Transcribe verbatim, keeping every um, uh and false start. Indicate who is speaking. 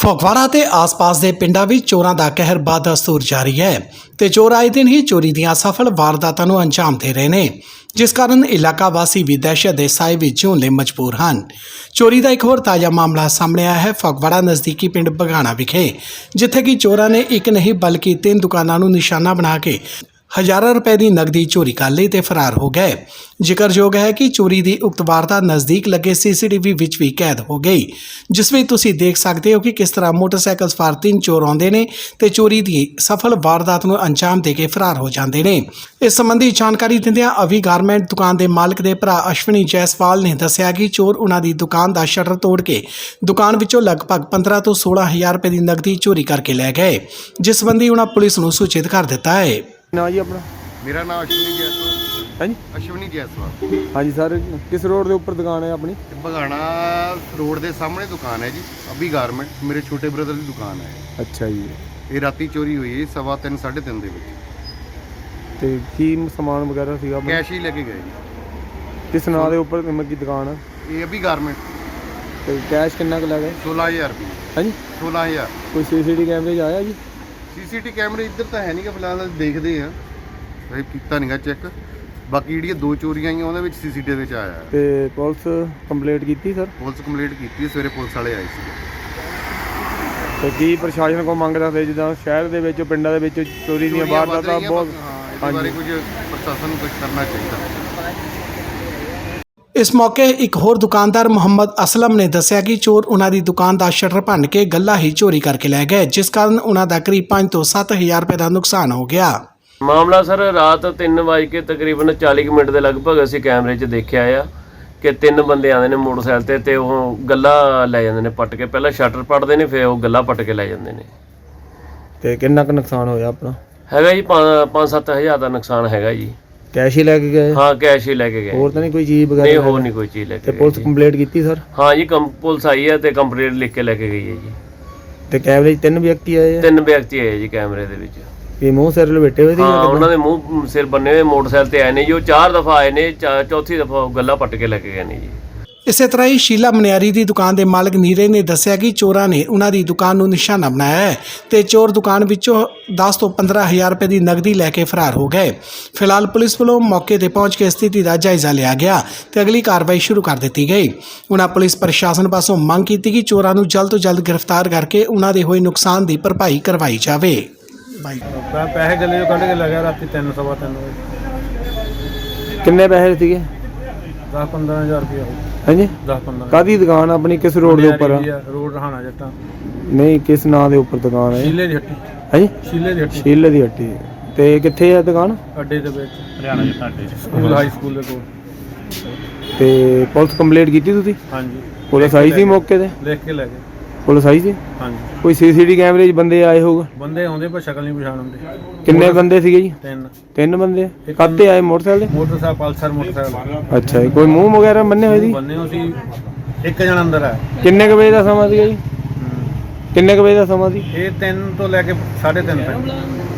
Speaker 1: ਫਗਵਾੜਾ ਤੇ ਆਸ-ਪਾਸ ਦੇ ਪਿੰਡਾਂ ਵਿੱਚ ਚੋਰਾਂ ਦਾ ਕਹਿਰ ਬਦਸਤੂਰ ਜਾਰੀ ਹੈ ਤੇ ਚੋਰ ਆਏ ਦਿਨ ਹੀ ਚੋਰੀ ਦੀਆਂ ਸਫਲ ਵਾਰਦਾਤਾਂ ਨੂੰ ਅੰਜਾਮ ਦੇ ਰਹੇ ਨੇ, ਜਿਸ ਕਾਰਨ ਇਲਾਕਾ ਵਾਸੀ ਵੀ ਦਹਿਸ਼ਤ ਦੇ ਸਾਏ ਵਿੱਚ ਜਿਉਣ ਲਈ ਮਜਬੂਰ ਹਨ। ਚੋਰੀ ਦਾ ਇੱਕ ਹੋਰ ਤਾਜ਼ਾ ਮਾਮਲਾ ਸਾਹਮਣੇ ਆਇਆ ਹੈ ਫਗਵਾੜਾ ਨਜ਼ਦੀਕੀ ਪਿੰਡ ਬਗਾਣਾ ਵਿਖੇ, ਜਿੱਥੇ ਕਿ ਚੋਰਾਂ ਨੇ ਇੱਕ ਨਹੀਂ ਬਲਕਿ ਤਿੰਨ ਦੁਕਾਨਾਂ ਨੂੰ ਨਿਸ਼ਾਨਾ ਬਣਾ ਕੇ ਹਜ਼ਾਰਾਂ ਰੁਪਏ ਦੀ ਨਕਦੀ ਚੋਰੀ ਕਰ ਲਈ ਤੇ ਫਰਾਰ ਹੋ ਗਏ। ਜ਼ਿਕਰਯੋਗ ਹੈ ਕਿ ਚੋਰੀ ਦੀ ਉਕਤ ਵਾਰਦਾਤ ਨਜ਼ਦੀਕ ਲੱਗੇ ਸੀਸੀਟੀਵੀ ਵਿੱਚ ਵੀ ਕੈਦ ਹੋ ਗਈ, ਜਿਸ ਵਿੱਚ ਤੁਸੀਂ ਦੇਖ ਸਕਦੇ ਹੋ ਕਿ ਕਿਸ ਤਰ੍ਹਾਂ ਮੋਟਰਸਾਈਕਲ ਸਵਾਰ ਤਿੰਨ ਚੋਰ ਆਉਂਦੇ ਨੇ ਤੇ ਚੋਰੀ ਦੀ ਸਫਲ ਵਾਰਦਾਤ ਨੂੰ ਅੰਜਾਮ ਦੇ ਕੇ ਫਰਾਰ ਹੋ ਜਾਂਦੇ ਨੇ। ਇਸ ਸੰਬੰਧੀ ਜਾਣਕਾਰੀ ਦਿੰਦਿਆਂ ਅਵੀ ਗਾਰਮੈਂਟ ਦੁਕਾਨ ਦੇ ਮਾਲਕ ਦੇ ਭਰਾ ਅਸ਼ਵਨੀ ਜੈਸਵਾਲ ਨੇ ਦੱਸਿਆ ਕਿ ਚੋਰ ਉਹਨਾਂ ਦੀ ਦੁਕਾਨ ਦਾ ਸ਼ਟਰ ਤੋੜ ਕੇ ਦੁਕਾਨ ਵਿੱਚੋਂ ਲਗਭਗ ਪੰਦਰਾਂ ਤੋਂ ਸੋਲਾਂ ਹਜ਼ਾਰ ਰੁਪਏ ਦੀ ਨਕਦੀ ਚੋਰੀ ਕਰਕੇ ਲੈ ਗਏ, ਜਿਸ ਸੰਬੰਧੀ ਉਹਨਾਂ ਪੁਲਿਸ ਨੂੰ ਸੂਚਿਤ ਕਰ ਦਿੱਤਾ ਹੈ।
Speaker 2: ਨਾ ਜੀ ਆਪਣਾ
Speaker 3: ਮੇਰਾ ਨਾਮ ਅਸ਼ਵਨੀ ਜੈਸਵਾਲ।
Speaker 2: ਹਾਂਜੀ
Speaker 3: ਅਸ਼ਵਨੀ ਜੈਸਵਾਲ।
Speaker 2: ਹਾਂਜੀ ਸਰ, ਕਿਸ ਰੋਡ ਦੇ ਉੱਪਰ ਦੁਕਾਨ ਹੈ ਆਪਣੀ?
Speaker 3: ਬਗਾਣਾ ਰੋਡ ਦੇ ਸਾਹਮਣੇ ਦੁਕਾਨ ਹੈ ਜੀ, ਅਭੀ ਗਾਰਮੈਂਟ। ਮੇਰੇ ਛੋਟੇ ਬ੍ਰਦਰ ਦੀ ਦੁਕਾਨ ਹੈ।
Speaker 2: ਅੱਛਾ ਜੀ।
Speaker 3: ਇਹ ਰਾਤੀ ਚੋਰੀ ਹੋਈ ਹੈ ਸਵਾ ਤਿੰਨ ਸਾਢੇ ਤਿੰਨ ਦੇ ਵਿੱਚ।
Speaker 2: ਤੇ ਕੀ ਸਮਾਨ ਵਗੈਰਾ ਸੀਗਾ ਆਪਣਾ?
Speaker 3: ਕੈਸ਼ ਹੀ ਲੈ ਕੇ ਗਏ ਜੀ।
Speaker 2: ਕਿਸ ਨਾਂ ਦੇ ਉੱਪਰ ਨਿਮਕ ਦੀ ਦੁਕਾਨ ਹੈ?
Speaker 3: ਇਹ ਅਭੀ ਗਾਰਮੈਂਟ।
Speaker 2: ਤੇ ਕੈਸ਼ ਕਿੰਨਾ ਕੁ ਲੈ ਗਏ?
Speaker 3: ਸੋਲਾਂ ਹਜ਼ਾਰ ਰੁਪਏ।
Speaker 2: ਹਾਂਜੀ
Speaker 3: ਸੋਲਾਂ ਹਜ਼ਾਰ।
Speaker 2: ਕੋਈ ਸੀਸੀਟੀਵੀ ਕੈਮਰੇ 'ਚ ਆਇਆ ਜੀ?
Speaker 3: ਸੀਸੀਟੀ ਕੈਮਰੇ ਇੱਧਰ ਤਾਂ ਹੈ ਨਹੀਂ ਕਿ ਫਿਲਹਾਲ ਦੇਖਦੇ ਆ, ਇਹ ਕੀਤਾ ਨਹੀਂਗਾ ਚੈੱਕ। ਬਾਕੀ ਜਿਹੜੀਆਂ ਦੋ ਚੋਰੀਆਂ ਆਈਆਂ ਉਹਨਾਂ ਵਿੱਚ ਸੀਸੀਟੀਵੀ ਵਿੱਚ ਆਇਆ ਹੈ।
Speaker 2: ਤੇ ਪੁਲਿਸ ਕੰਪਲੇਂਟ ਕੀਤੀ ਸਰ?
Speaker 3: ਪੁਲਿਸ ਕੰਪਲੀਟ ਕੀਤੀ ਹੈ, ਸਵੇਰੇ ਪੁਲਿਸ ਵਾਲੇ ਆਏ ਸੀ।
Speaker 2: ਤੇ ਕੀ ਪ੍ਰਸ਼ਾਸਨ ਕੋਲ ਮੰਗ ਰੱਖਦੇ, ਜਿੱਦਾਂ ਸ਼ਹਿਰ ਦੇ ਵਿੱਚ ਪਿੰਡਾਂ ਦੇ ਵਿੱਚ ਚੋਰੀ ਦੀਆਂ ਵਾਰਦਾਤਾਂ ਬਹੁਤ?
Speaker 3: ਹਾਂ, ਇਹਦੇ ਬਾਰੇ ਕੁਝ ਪ੍ਰਸ਼ਾਸਨ ਨੂੰ ਕੁਝ ਕਰਨਾ ਚਾਹੀਦਾ।
Speaker 1: ਇਸ ਮੌਕੇ ਇੱਕ ਹੋਰ ਦੁਕਾਨਦਾਰ ਮੁਹੰਮਦ ਅਸਲਮ ਨੇ ਦੱਸਿਆ ਕਿ ਚੋਰ ਉਹਨਾਂ ਦੀ ਦੁਕਾਨ ਦਾ ਸ਼ਟਰ ਭੰਨ ਕੇ ਗੱਲਾ ਹੀ ਚੋਰੀ ਕਰਕੇ ਲੈ ਗਏ, ਜਿਸ ਕਾਰਨ ਉਹਨਾਂ ਦਾ ਕਰੀਬ ਪੰਜ ਤੋਂ ਸੱਤ ਹਜ਼ਾਰ ਰੁਪਏ ਦਾ ਨੁਕਸਾਨ ਹੋ ਗਿਆ।
Speaker 4: ਮਾਮਲਾ ਸਰ ਰਾਤ ਤਿੰਨ ਵਜੇ ਕੇ ਤਕਰੀਬਨ ਚਾਲੀ ਕੁ ਮਿੰਟ ਦੇ ਲਗਭਗ ਅਸੀਂ ਕੈਮਰੇ 'ਚ ਦੇਖਿਆ ਆ ਕਿ ਤਿੰਨ ਬੰਦੇ ਆਉਂਦੇ ਨੇ ਮੋਟਰਸਾਈਕਲ ਤੇ ਤੇ ਉਹ ਗੱਲਾ ਲੈ ਜਾਂਦੇ ਨੇ ਪੱਟ ਕੇ। ਪਹਿਲਾਂ ਸ਼ਟਰ ਪੱਟਦੇ ਨੇ, ਫਿਰ ਉਹ ਗੱਲਾ ਪੱਟ ਕੇ ਲੈ ਜਾਂਦੇ ਨੇ।
Speaker 2: ਤੇ ਕਿੰਨਾ ਕੁ ਨੁਕਸਾਨ ਹੋਇਆ ਆਪਣਾ?
Speaker 4: ਹੈਗਾ ਜੀ ਪੰਜ ਸੱਤ ਹਜ਼ਾਰ ਦਾ ਨੁਕਸਾਨ ਹੈਗਾ ਜੀ।
Speaker 2: ਕੈਸ਼ ਹੀ ਲੈ ਕੇ ਗਏ?
Speaker 4: ਹਾਂ, ਕੈਸ਼ ਹੀ ਲੈ ਕੇ ਗਏ।
Speaker 2: ਹੋਰ ਤਾਂ ਨਹੀਂ ਕੋਈ ਚੀਜ਼ ਵਗੈਰਾ?
Speaker 4: ਨਹੀਂ, ਹੋਰ ਨਹੀਂ ਕੋਈ ਚੀਜ਼ ਲੈ ਕੇ
Speaker 2: ਤੇ
Speaker 4: ਗਏ।
Speaker 2: ਪੁਲਿਸ ਕੰਪਲੇਂਟ ਕੀਤੀ ਸਰ?
Speaker 4: ਹਾਂ ਜੀ, ਕੰਪ ਪੁਲਿਸ ਆਈ ਹੈ ਤੇ ਕੰਪਲੇਂਟ ਲਿਖ ਕੇ ਲੈ ਕੇ ਗਈ ਹੈ ਜੀ।
Speaker 2: ਤੇ ਕੈਮਰੇ 'ਚ ਤਿੰਨ ਵਿਅਕਤੀ ਆਏ ਆ?
Speaker 4: ਤਿੰਨ ਵਿਅਕਤੀ ਆਏ ਜੀ ਕੈਮਰੇ ਦੇ ਵਿੱਚ।
Speaker 2: ਇਹ ਮੂੰਹ ਸਿਰ ਲਪੇਟੇ ਹੋਏ ਸੀ?
Speaker 4: ਹਾਂ, ਉਹਨਾਂ ਦੇ ਮੂੰਹ ਸਿਰ ਬੰਨੇ ਹੋਏ ਮੋਟਰਸਾਈਕਲ ਤੇ ਆਏ ਨੇ ਜੀ। ਉਹ ਚਾਰ ਦਫਾ ਆਏ ਨੇ, ਚੌਥੀ ਦਫਾ ਗੱਲਾ ਪੱਟ ਕੇ ਲੈ ਕੇ ਗਏ ਨੇ ਜੀ।
Speaker 1: ਇਸੇ ਤਰ੍ਹਾਂ ਹੀ ਸ਼ੀਲਾ ਮਨਿਆਰੀ ਦੀ ਦੁਕਾਨ ਦੇ ਮਾਲਕ ਨੀਰੇ ਨੇ ਦੱਸਿਆ ਕਿ ਚੋਰਾਂ ਨੇ ਉਹਨਾਂ ਦੀ ਦੁਕਾਨ ਨੂੰ ਨਿਸ਼ਾਨਾ ਬਣਾਇਆ ਹੈ ਤੇ ਚੋਰ ਦੁਕਾਨ ਵਿੱਚੋਂ ਦਸ ਤੋਂ ਪੰਦਰਾਂ ਹਜ਼ਾਰ ਰੁਪਏ ਦੀ ਨਕਦੀ ਲੈ ਕੇ ਫਰਾਰ ਹੋ ਗਏ। ਫਿਲਹਾਲ ਪੁਲਿਸ ਵੱਲੋਂ ਮੌਕੇ ਤੇ ਪਹੁੰਚ ਕੇ ਸਥਿਤੀ ਦਾ ਜਾਇਜ਼ਾ ਲਿਆ ਗਿਆ ਤੇ ਅਗਲੀ ਕਾਰਵਾਈ ਸ਼ੁਰੂ ਕਰ ਦਿੱਤੀ ਗਈ। ਉਹਨਾਂ ਪੁਲਿਸ ਪ੍ਰਸ਼ਾਸਨ ਪਾਸੋਂ ਮੰਗ ਕੀਤੀ ਕਿ ਚੋਰਾਂ ਨੂੰ ਜਲਦ ਤੋਂ ਜਲਦ ਗ੍ਰਿਫਤਾਰ ਕਰਕੇ ਉਹਨਾਂ ਦੇ ਹੋਏ ਨੁਕਸਾਨ ਦੀ ਭਰਪਾਈ ਕਰਵਾਈ ਜਾਵੇ। ਬਾਈ
Speaker 2: ਪੈਸੇ ਗੱਲੇ ਚੋਂ ਕੱਢ ਕੇ ਲੱਗਿਆ ਰਾਤੀ ਤਿੰਨ ਸਵਾ ਤਿੰਨ ਵਜੇ। ਕਿੰਨੇ ਪੈਸੇ ਸੀਗੇ?
Speaker 5: ਦਸ ਪੰਦਰਾਂ ਹਜ਼ਾਰ ਰੁਪਇਆ।
Speaker 2: ਹਾਂਜੀ,
Speaker 5: ਦਸ ਪੰਦਰਾਂ।
Speaker 2: ਕਾਹਦੀ ਦੁਕਾਨ ਆਪਣੀ? ਕਿਸ ਰੋਡ ਦੇ ਉੱਪਰ?
Speaker 5: ਰੋਡ ਰਹਾਣਾ ਜੱਟਾਂ।
Speaker 2: ਨਹੀਂ, ਕਿਸ ਨਾਂ ਦੇ ਉੱਪਰ ਦੁਕਾਨ ਹੈ?
Speaker 5: ਸ਼ੀਲੇ ਦੀ ਹੱਟੀ।
Speaker 2: ਹਾਂਜੀ,
Speaker 5: ਸ਼ੀਲੇ ਦੀ ਹੱਟੀ।
Speaker 2: ਸ਼ੀਲੇ ਦੀ ਹੱਟੀ। ਤੇ ਕਿੱਥੇ ਹੈ ਦੁਕਾਨ?
Speaker 5: ਅੱਡੇ ਦੇ ਵਿੱਚ, ਹਰਿਆਣਾ ਜੱਟਾਂ ਅੱਡੇ, ਸਕੂਲ ਹਾਈ ਸਕੂਲ ਦੇ ਕੋਲ।
Speaker 2: ਤੇ ਪੁਲਿਸ ਕੰਪਲੇਂਟ ਕੀਤੀ ਤੁਸੀਂ?
Speaker 5: ਹਾਂਜੀ।
Speaker 2: ਪੁਲਿਸ ਆਈ ਸੀ ਮੌਕੇ ਤੇ?
Speaker 5: ਲਿਖ ਕੇ ਲੈ ਗਏ।
Speaker 2: ਪੁਲਿਸ ਆਈ ਸੀ?
Speaker 5: ਹਾਂਜੀ।
Speaker 2: ਕੋਈ ਸੀਸੀਟੀਵੀ ਕੈਮਰੇ 'ਚ ਬੰਦੇ ਆਏ ਹੋਊਗਾ?
Speaker 5: ਬੰਦੇ ਆਉਂਦੇ ਪਰ ਸ਼ਕਲ ਨਹੀਂ ਪਛਾਣ ਹੁੰਦੇ।
Speaker 2: ਕਿੰਨੇ ਬੰਦੇ ਸੀਗੇ ਜੀ?
Speaker 5: ਤਿੰਨ।
Speaker 2: ਤਿੰਨ ਬੰਦੇ? ਕਾਹਤੇ ਆਏ? ਮੋਟਰਸਾਈਕਲ ਤੇ?
Speaker 5: Motorcycle, Pulsar motorcycle.
Speaker 2: ਅੱਛਾ ਜੀ। ਕੋਈ ਮੂੰਹ ਵਗੈਰਾ ਬੰਨੇ ਹੋਏ ਸੀ?
Speaker 5: ਬੰਨੇ ਹੋ ਸੀ। ਇੱਕ ਜਣਾ ਅੰਦਰ ਆ।
Speaker 2: ਕਿੰਨੇ ਕੁ ਵਜੇ ਦਾ ਸਮਾਂ ਸੀਗਾ ਜੀ? ਕਿੰਨੇ ਕੁ ਵਜੇ ਦਾ ਸਮਾਂ ਸੀ?
Speaker 5: ਇਹ ਤਿੰਨ ਤੋਂ ਲੈ ਕੇ ਸਾਢੇ ਤਿੰਨ ਤੱਕ।